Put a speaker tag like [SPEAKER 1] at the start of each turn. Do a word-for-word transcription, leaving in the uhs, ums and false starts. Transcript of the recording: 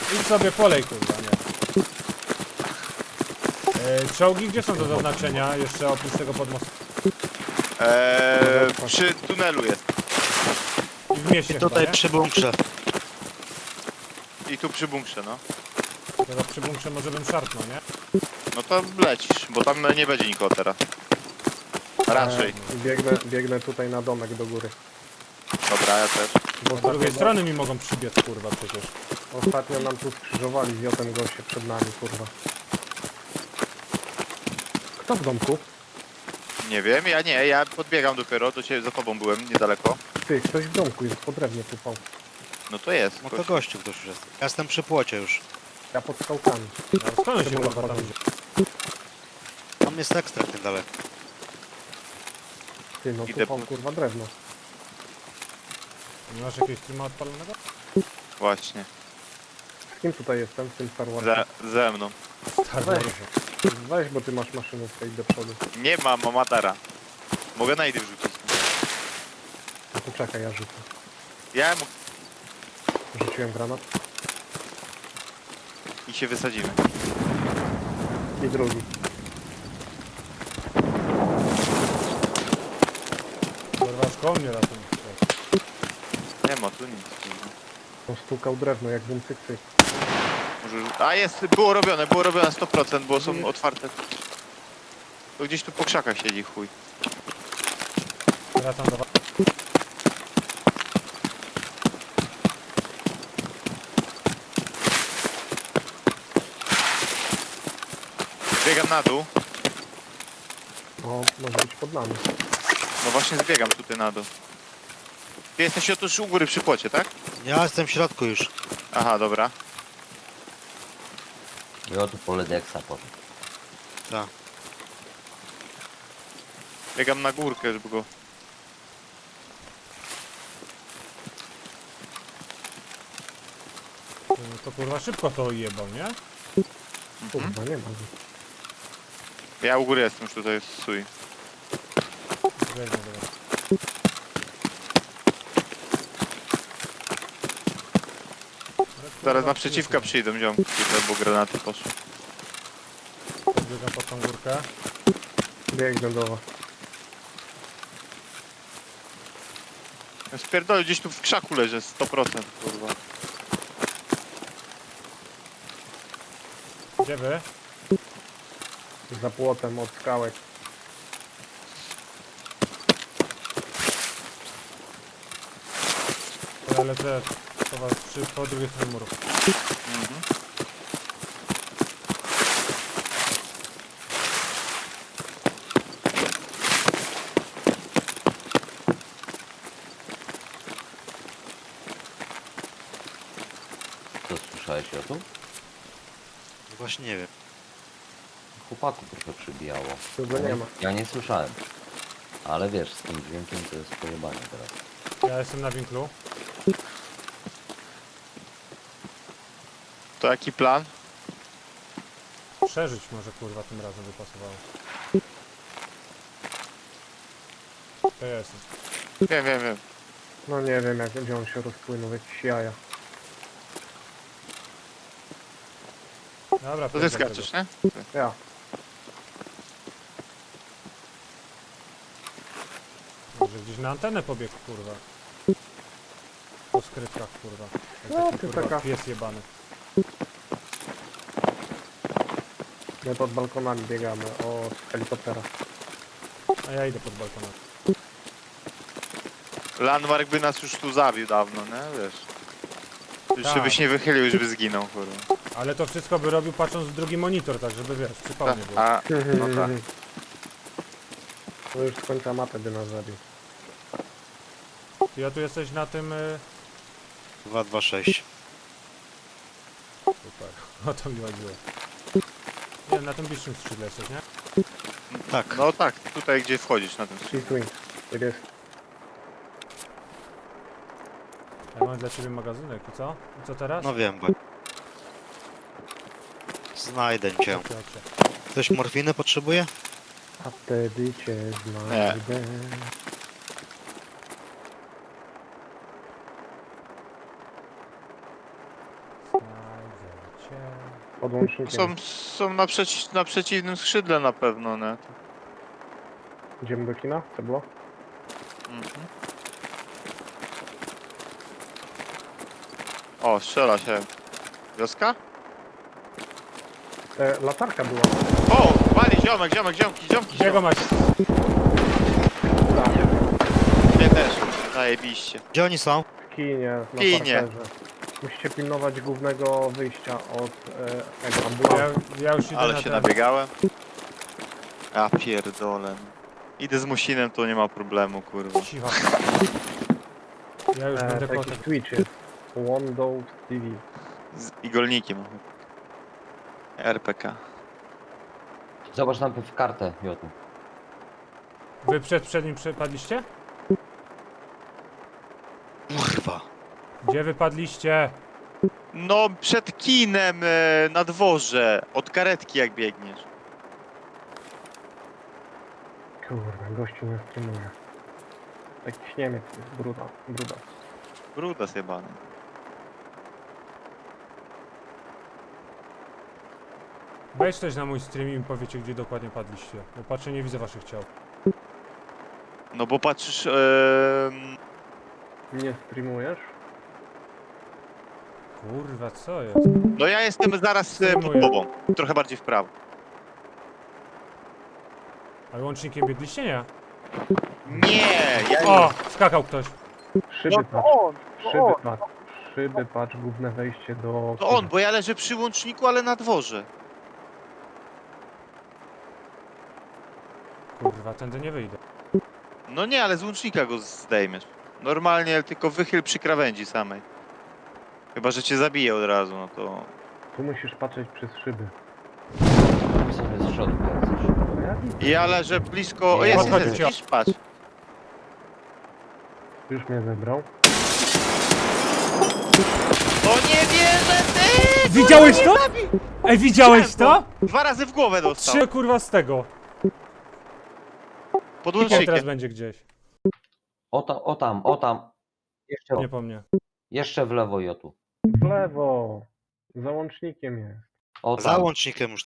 [SPEAKER 1] Idź sobie polej, kurwa, nie. E, czołgi gdzie są do zaznaczenia jeszcze oprócz tego podmostu?
[SPEAKER 2] Eee, przy tunelu jest.
[SPEAKER 1] I w mieście
[SPEAKER 3] Tutaj
[SPEAKER 1] chyba,
[SPEAKER 3] przy bunkrze.
[SPEAKER 2] I tu przy bunkrze, no.
[SPEAKER 1] nie? Teraz przy bunkrze może bym szarpnął, nie?
[SPEAKER 2] No to lecisz, bo tam nie będzie nikogo teraz. Raczej.
[SPEAKER 4] E, biegnę, biegnę tutaj na domek do góry.
[SPEAKER 2] Dobra, ja też.
[SPEAKER 4] Bo
[SPEAKER 1] Z drugiej
[SPEAKER 4] ostatnio,
[SPEAKER 1] strony mi mogą przybiec, kurwa, przecież.
[SPEAKER 4] ostatnio nam tu skrzyżowali z Jotem goście przed nami, kurwa. Kto w domku?
[SPEAKER 2] Nie wiem, ja nie, ja podbiegam dopiero, do ciebie za tobą byłem, niedaleko.
[SPEAKER 4] Ty, ktoś w domku jest, po drewnie tupał.
[SPEAKER 2] No to jest.
[SPEAKER 3] No to
[SPEAKER 2] gość.
[SPEAKER 3] gościu ktoś już jest. Ja jestem przy płocie już.
[SPEAKER 4] Ja pod skałkami.
[SPEAKER 1] A skąd on się
[SPEAKER 4] Czemu
[SPEAKER 1] kurwa
[SPEAKER 4] na
[SPEAKER 1] tam
[SPEAKER 4] chodzie?
[SPEAKER 1] idzie?
[SPEAKER 3] Tam jest ekstrakt niedaleko.
[SPEAKER 4] Ty, no
[SPEAKER 2] Idę
[SPEAKER 4] tupał
[SPEAKER 2] po-
[SPEAKER 4] kurwa drewno.
[SPEAKER 1] Nie masz jakiegoś streama odpalonego?
[SPEAKER 2] Właśnie.
[SPEAKER 4] Z kim tutaj jestem? Z tym Star Warsem?
[SPEAKER 2] Ze, ze mną.
[SPEAKER 1] Star
[SPEAKER 4] Weź.
[SPEAKER 1] Warsa.
[SPEAKER 4] Weź, bo ty masz maszynówkę i do przodu.
[SPEAKER 2] Nie mam Amatara. Mogę najdy wrzucić.
[SPEAKER 4] No to czekaj, ja rzucę.
[SPEAKER 2] Ja mu...
[SPEAKER 4] Rzuciłem granat.
[SPEAKER 2] i się wysadzimy.
[SPEAKER 4] I drugi.
[SPEAKER 1] Kurwa, szkoł mnie ratuj.
[SPEAKER 2] Nie ma tu nic.
[SPEAKER 4] On stukał drewno, jak bum cyk cyk.
[SPEAKER 2] Może... A jest, było robione, było robione sto procent, bo są otwarte. To gdzieś tu po krzakach siedzi chuj.
[SPEAKER 1] Wracam do was.
[SPEAKER 2] Zbiegam na dół.
[SPEAKER 4] O, może być pod nami.
[SPEAKER 2] No właśnie zbiegam tutaj na dół. Ty jesteś otóż u góry przy płocie, tak?
[SPEAKER 3] Ja jestem w środku już.
[SPEAKER 2] Aha, dobra.
[SPEAKER 5] Jo, tu pole deksa potem.
[SPEAKER 3] Tak.
[SPEAKER 2] Biegam na górkę, żeby go...
[SPEAKER 1] To kurwa szybko to jebał, nie?
[SPEAKER 4] Kurwa, nie ma.
[SPEAKER 2] Ja u góry jestem już tutaj z Sui.
[SPEAKER 1] Weźmie do was.
[SPEAKER 2] Zaraz naprzeciwka przyjdą ziomki, tutaj, bo granaty poszły.
[SPEAKER 1] Biegam pod tą górkę.
[SPEAKER 4] Biegnę do was.
[SPEAKER 2] Ja spierdolę, gdzieś tu w krzaku leży, sto procent, kurwa.
[SPEAKER 1] Gdzie wy?
[SPEAKER 4] Za płotem od skałek.
[SPEAKER 1] To ja lecę po was przy, po drugiej stronie muru.
[SPEAKER 2] Mhm.
[SPEAKER 5] Co słyszałeś o tym?
[SPEAKER 3] Właśnie nie wiem.
[SPEAKER 5] Chłopaku trochę przybijało.
[SPEAKER 4] Tu go nie ma.
[SPEAKER 5] Ja nie słyszałem. Ale wiesz, z tym dźwiękiem to jest pojebanie teraz.
[SPEAKER 1] Ja jestem na winklu.
[SPEAKER 2] To jaki plan?
[SPEAKER 1] Przeżyć może kurwa tym razem by pasowało. To ja jestem.
[SPEAKER 2] Wiem, wiem, wiem.
[SPEAKER 4] No nie wiem, jak gdzie on się rozpłynął, jakieś jaja.
[SPEAKER 1] Dobra,
[SPEAKER 2] To ty
[SPEAKER 1] wjeżdżam
[SPEAKER 2] skaczesz,
[SPEAKER 1] tego.
[SPEAKER 2] nie?
[SPEAKER 4] Ja.
[SPEAKER 1] Może gdzieś na antenę pobiegł kurwa. Po skrytkach kurwa. Jak
[SPEAKER 4] No,
[SPEAKER 1] taki
[SPEAKER 4] ty
[SPEAKER 1] kurwa
[SPEAKER 4] taka-
[SPEAKER 1] pies jebany.
[SPEAKER 4] My pod balkonami biegamy, o, z helikoptera.
[SPEAKER 1] A ja idę pod balkonem.
[SPEAKER 2] Landmark by nas już tu zabił dawno, nie? Wiesz. Już
[SPEAKER 1] Tak.
[SPEAKER 2] żebyś nie wychylił, już by zginął, kurwa.
[SPEAKER 1] Ale to wszystko by robił patrząc w drugi monitor, tak żeby wiesz, przypomnę było.
[SPEAKER 2] A, no tak.
[SPEAKER 4] To już z końca mapy by nas zabił.
[SPEAKER 1] Ty ja tu jesteś na tym... Y...
[SPEAKER 3] dwa dwa sześć.
[SPEAKER 1] Super, o to mi chodziło. Nie, na tym bliższym skrzydle jesteś, nie?
[SPEAKER 3] Tak.
[SPEAKER 2] No tak, tutaj gdzie wchodzisz na tym
[SPEAKER 4] Sea Twin. Tak jest.
[SPEAKER 1] Ja mam dla ciebie magazynek i co? I co teraz?
[SPEAKER 3] No wiem, bo... Znajdę cię.
[SPEAKER 1] Chodźcie, chodźcie.
[SPEAKER 3] Ktoś morfiny potrzebuje?
[SPEAKER 4] A wtedy cię znajdę.
[SPEAKER 1] Znajdzie. się.
[SPEAKER 4] Podłącznikiem.
[SPEAKER 2] Są, są na, przeci na przeciwnym skrzydle na pewno, nie?
[SPEAKER 4] Idziemy do kina? Co było?
[SPEAKER 2] Mhm. O, strzela się. Wioska?
[SPEAKER 4] E, latarka była.
[SPEAKER 2] O, wali ziomek, ziomek, ziomki, ziomki,
[SPEAKER 1] Gdzie go
[SPEAKER 2] ziomek.
[SPEAKER 1] macie?
[SPEAKER 2] Mnie też. Zajebiście.
[SPEAKER 3] Gdzie oni są?
[SPEAKER 4] W kinie, na
[SPEAKER 2] Kinie.
[SPEAKER 4] parterze. Musicie pilnować głównego wyjścia od e, tego
[SPEAKER 1] Ja,
[SPEAKER 4] ambulansu.
[SPEAKER 1] ja już idę
[SPEAKER 2] Ale
[SPEAKER 1] na
[SPEAKER 2] się
[SPEAKER 1] ten.
[SPEAKER 2] nabiegałem. Ja pierdolę. Idę z Musinem, to nie ma problemu, kurwa.
[SPEAKER 1] Cicho. Ja już
[SPEAKER 4] E,
[SPEAKER 1] będę
[SPEAKER 4] to
[SPEAKER 1] kotem.
[SPEAKER 4] jakiś Twitch jest. Windows T V.
[SPEAKER 2] Z igolnikiem. R P K.
[SPEAKER 5] Zobacz najpierw kartę, Jotu.
[SPEAKER 1] Wy przed, przed nim przepadliście?
[SPEAKER 3] Kurwa.
[SPEAKER 1] Gdzie wypadliście?
[SPEAKER 2] No, przed kinem e, na dworze. Od karetki jak biegniesz.
[SPEAKER 4] Kurwa, gościu nie streamuje. Jakiś Niemiec jest, bruda, bruda.
[SPEAKER 2] Bruda zjebany.
[SPEAKER 1] Wejdź też na mój stream i mi powiecie, gdzie dokładnie padliście. Bo patrzę, nie widzę waszych ciał.
[SPEAKER 2] No bo patrzysz... E,
[SPEAKER 4] Nie streamujesz?
[SPEAKER 1] Kurwa, co jest?
[SPEAKER 2] no ja jestem zaraz e, pod
[SPEAKER 1] Streamuję.
[SPEAKER 2] tobą. Trochę bardziej w prawo.
[SPEAKER 1] A łącznikiem biegliście, nie?
[SPEAKER 2] Nie! Ja
[SPEAKER 1] O! Skakał ktoś.
[SPEAKER 4] Szyby
[SPEAKER 2] No
[SPEAKER 4] patrz,
[SPEAKER 2] to on! To
[SPEAKER 4] szyby
[SPEAKER 2] on!
[SPEAKER 4] patrz, szyby patrz, główne wejście do...
[SPEAKER 2] To on, bo ja leżę przy łączniku, ale na dworze.
[SPEAKER 1] Kurwa, tędy nie wyjdę.
[SPEAKER 2] No nie, ale z łącznika go zdejmiesz. Normalnie tylko wychyl przy krawędzi samej. Chyba, że cię zabije od razu, no to...
[SPEAKER 4] Tu musisz patrzeć przez szyby.
[SPEAKER 5] Tam sobie z środka jak coś.
[SPEAKER 4] No ja widzę,
[SPEAKER 2] Ja leżę blisko... O,
[SPEAKER 5] Nie,
[SPEAKER 2] jest,
[SPEAKER 1] podchodź,
[SPEAKER 2] jest,
[SPEAKER 1] cio.
[SPEAKER 2] widzisz? Patrz.
[SPEAKER 4] już mnie zebrał.
[SPEAKER 2] O nie wierzę, ty!
[SPEAKER 1] Widziałeś to? Ej, widziałeś to?
[SPEAKER 2] Dwa razy w głowę dostał.
[SPEAKER 1] Trzy kurwa z tego.
[SPEAKER 2] Pod
[SPEAKER 1] Kikiem teraz
[SPEAKER 2] łącznikiem.
[SPEAKER 1] będzie gdzieś.
[SPEAKER 5] O, ta, o tam, o tam. Jeszcze,
[SPEAKER 1] Nie po mnie.
[SPEAKER 5] jeszcze w lewo, Jotu.
[SPEAKER 4] W lewo! Za łącznikiem jest.
[SPEAKER 5] O tam.
[SPEAKER 3] Za łącznikiem już